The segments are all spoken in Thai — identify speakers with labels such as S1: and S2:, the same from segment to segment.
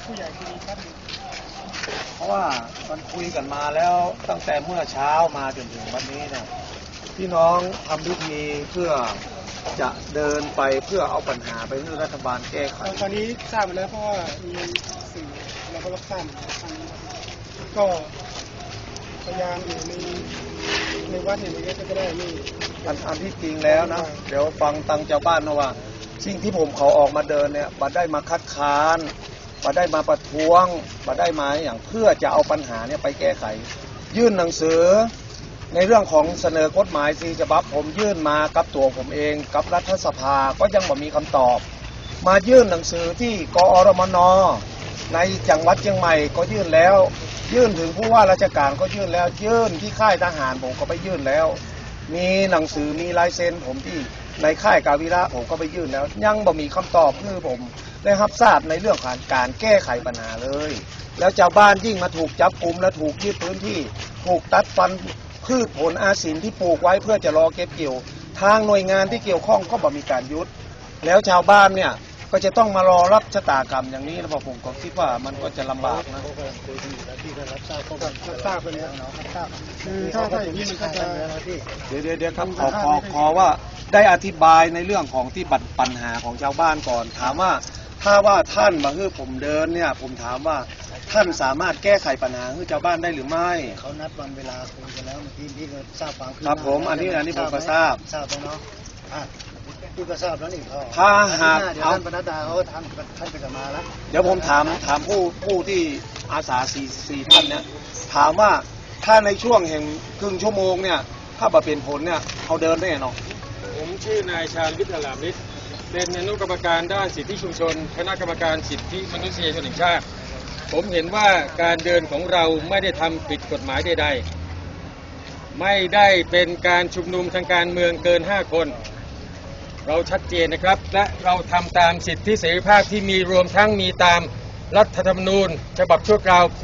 S1: ผู้ใหญ่คุยครับ
S2: เพราะว่ามันคุยกันมาแล้วตั้งแต่เมื่อเช้ามาจนถึงวันนี้เนี่ยพี่น้องทำพิธีเพื่อจะเดินไปเพื่อเอาปัญหาไปให้รัฐบาลแก้ไข
S1: ตอนนี้ทราบมาแล้วเพราะว่ามีสื่อเราก็รับทราบก็พยายามอยู่ในวัดเนี่ยมันก็จะได้ไม่
S2: อันที่จริงแล้วนะเดี๋ยวฟังตังเจ้าบ้านนะว่าสิ่งที่ผมเขาออกมาเดินเนี่ยบัดได้มาคัดค้านบัดได้มาประท้วงบัดได้มาอย่างเพื่อจะเอาปัญหาเนี่ยไปแก้ไขยื่นหนังสือในเรื่องของเสนอกฎหมาย4 ฉบับผมยื่นมากับตัวผมเองกับรัฐสภาก็ยังไม่มีคำตอบมายื่นหนังสือที่กอรมนในจังหวัดเชียงใหม่ก็ยื่นแล้วยื่นถึงผู้ว่าราชการก็ยื่นแล้วยื่นที่ค่ายทหารผมก็ไปยื่นแล้วมีหนังสือมีลายเซ็นผมที่ในค่ายกาวิระผมก็ไปยื่นแล้วยังบ่มีคำตอบคือผมได้รับทราบในเรื่องการแก้ไขปัญหาเลยแล้วชาวบ้านยิ่งมาถูกจับกุมและถูกยึดพื้นที่ถูกตัดฟันพืชผลอาศิลที่ปลูกไว้เพื่อจะรอเก็บเกี่ยวทางหน่วยงานที่เกี่ยวข้องก็บ่มีการยุดแล้วชาวบ้านเนี่ยก็จะต้องมารอรับชะตากรรมอย่างนี้แล้วผมก็คิดว่ามันก็จะลำบากนะ
S1: ที่ได้รับทราบก็รับทราบไปแล้วคือถ้าอย่างนี้มันก็จะ
S2: เดี๋ยวครับขอว่าได้อธิบายในเรื่องของที่ปัญหาของชาวบ้านก่อนถามว่าถ้าว่าท่านมาให้ผมเดินเนี่ยผมถามว่าท่านสามารถแก้ไขปัญหาให้ชาวบ้านได้หรือไม่
S3: เขานัดวันเวลาคุยกันแล้วเมื่อกี้พี่ก็ทราบความคืบห
S2: ค
S3: น้า
S2: รับผมอันนี้ผมก็ทราบ
S3: แล้วเนาะพี่ก็ทราบแล้วนี่ก็
S2: ถ้าหาก
S3: เดี๋ยวท่านปนัดดาเขาท่านไปจะมาแล้ว
S2: เดี๋ยวผมถามผู้ที่อาสาสี่ท่านเนี่ยถามว่าถ้าในช่วงแห่งครึ่งชั่วโมงเนี่ยถ้าบ่เป็นผลเนี่ยเขาเดินได้เนาะ
S4: ผมชื่อนายชาญวิทย์ลามิตรเป็นอนุกรรมการด้านสิทธิชุมชนคณะกรรมการสิทธิมนุษยชนแห่งชาติผมเห็นว่าการเดินของเราไม่ได้ทำผิดกฎหมายใดๆไม่ได้เป็นการชุมนุมทางการเมืองเกิน5 คนเราชัดเจนนะครับและเราทำตามสิทธิเสรีภาพที่มีรวมทั้งมีตามรัฐธรรมนูญฉบับชั่วคราวปี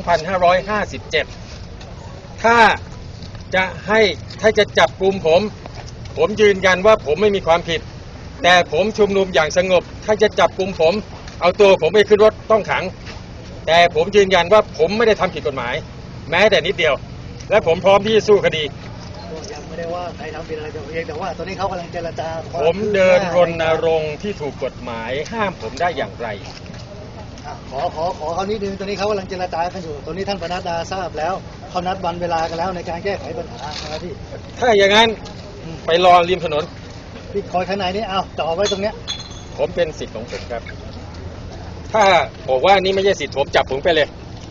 S4: 2557 ถ้าจะจับกลุ่มผมยืนยันว่าผมไม่มีความผิดแต่ผมชุมนุมอย่างสงบถ้าจะจับกลุ่มผมเอาตัวผมไปขึ้นรถต้องขังแต่ผมยืนยันว่าผมไม่ได้ทำผิดกฎหมายแม้แต่นิดเดียวและผมพร้อมที่จะสู้คดี
S3: ยังไม่ได้ว่าใครทำผิดอะไรแต่ว่าตอนนี้เขากำลังเจรจา
S4: ผมเดินรณรงค์ที่ถูกกฎหมายห้ามผมได้อย่างไร
S3: ขอเขานิดนึงตอนนี้เขากำลังเจรจากันอยู่ตอนนี้ท่านปนัดดาทราบแล้วเขานัดวันเวลากันแล้วในการแก้ไขปัญหานะพี่
S4: ถ้าอย่างนั้นไปรอริมถนน
S3: พี่คอยข้างในนี่จ่อไว้ตรงเนี้ย
S4: ผมเป็นสิทธิ์ของผมครับถ้าบอกว่านี่ไม่ใช่สิทธิ์ผมจับผมไปเลย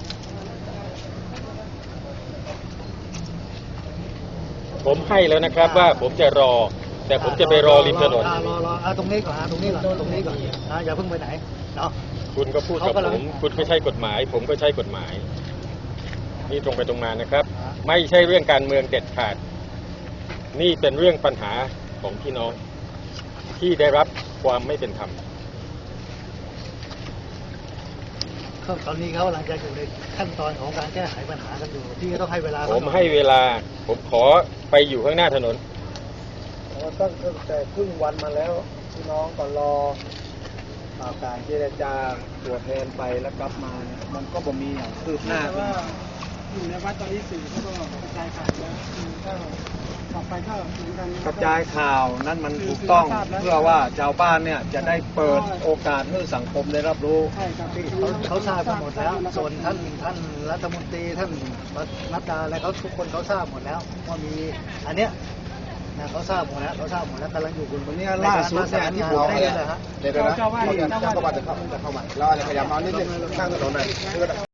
S4: ผมให้แล้วนะครับว่าผมจะรอแต่ผมจะไปรอริมถนน
S3: รอตรงนี้ก่อนตรงนี้ก่อนอย่าเพิ่งไปไหนเนาะ
S4: คุณก็พูดกับผมคุณก็ใช้กฎหมายผมก็ใช้กฎหมายนี่ตรงไปตรงมานะครับไม่ใช่เรื่องการเมืองเด็ดขาดนี่เป็นเรื่องปัญหาของพี่น้องที่ได้รับความไม่เป็นธรรม
S3: ตอนนี้เขากำลังจะอยู่ในขั้นตอนของการแก้ไขปัญหากันอยู่ที่ต้องให้เวลา
S4: ผมให้เวลาผมขอไปอยู่ข้างหน้าถนน
S2: ตั้งแต่ครึ่งวันมาแล้วพี่น้องก็รอการเจรจาตัวแทนไปแล้วกลับมามันก็บ่มีอย่างคืบหน้า
S1: ว่าอยู่ในวัดตอนนี้สื่อเขาก็กระจายข่าวแล้วถ้าต่อไปถ้าเหมือนกัน
S2: กระจายข่าวนั่นมันถูกต้องเพื่อว่าชาวบ้านเนี่ยจะได้เปิดโอกาสให้สังคมได้รับรู้
S1: ใช่ครับ
S3: เขาทราบหมดแล้วส่วนท่านรัฐมนตรีท่านนัดดาอะไรเขาทุกคนเขาทราบหมดแล้วว่ามีอันเนี้ยเขาทราบหมดแล้วกำลังอยู่คนนี้
S2: ล่าสุดเนี่ยที่ผมได้เลยฮะ
S1: เดี๋ยวนะ
S2: เขาจะเข้ามาแล้วอะไรขยับมานิดนึงข้างถนนหน่อย